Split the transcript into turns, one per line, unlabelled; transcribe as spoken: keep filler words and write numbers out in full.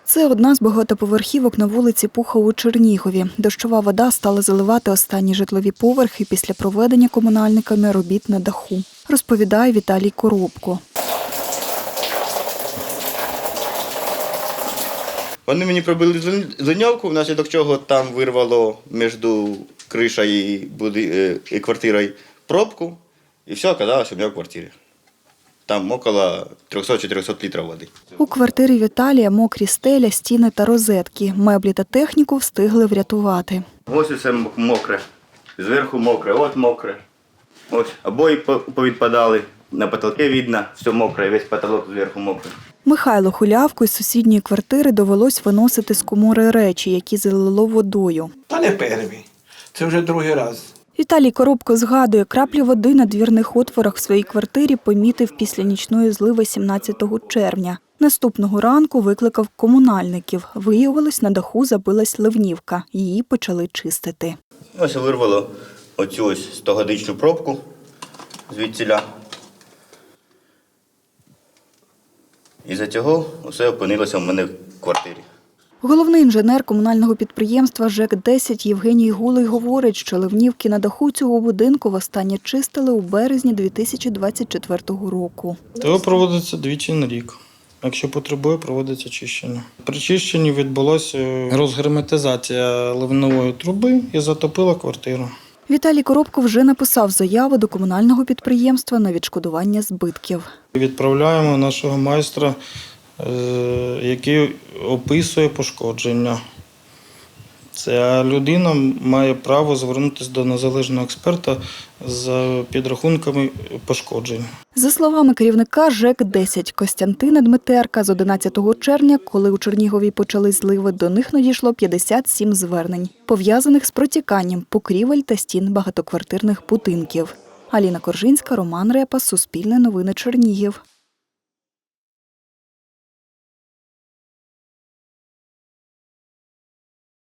Це одна з багатоповерхівок на вулиці Пуха у Чернігові. Дощова вода стала заливати останні житлові поверхи після проведення комунальниками робіт на даху, розповідає Віталій Коробко.
Вони мені пробили ливнівку, внаслідок чого там вирвало між кришею і, буди... і квартирою пробку, і все оказалось у мене в квартирі. Там около трьохсот-чотирьохсот літрів води.
У квартирі Віталія мокрі стеля, стіни та розетки. Меблі та техніку встигли врятувати.
Ось усе мокре, зверху мокре, от мокре. Ось обої повідпадали, на потолці видно, все мокре, весь потолок зверху мокрий.
Михайлу Хулявку із сусідньої квартири довелось виносити з комори речі, які залило водою.
Та не перший, це вже другий раз.
Віталій Коробко згадує, краплі води на двірних отворах в своїй квартирі помітив після нічної зливи сімнадцятого червня. Наступного ранку викликав комунальників. Виявилось, на даху забилась ливнівка. Її почали чистити.
Ось вирвало оцю ось стогодичну пробку звідсіля. Із-за цього все опинилося в мене в квартирі.
Головний інженер комунального підприємства ЖЕК десять Євгеній Гулий говорить, що ливнівки на даху цього будинку востаннє чистили у березні дві тисячі двадцять четвертого року.
ТО проводиться двічі на рік. Якщо потребує, проводиться чищення. При чищенні відбулася розгерметизація ливневої труби і затопила квартиру.
Віталій Коробко вже написав заяву до комунального підприємства на відшкодування збитків.
Відправляємо нашого майстра, який описує пошкодження. Ця людина має право звернутися до незалежного експерта з підрахунками пошкоджень.
За словами керівника ЖЕК десять Костянтина Дмитерка, з одинадцятого червня, коли у Чернігові почали зливи, до них надійшло п'ятдесят сім звернень, пов'язаних з протіканням покрівель та стін багатоквартирних будинків. Аліна Коржинська, Роман Репа, Суспільне новини Чернігів.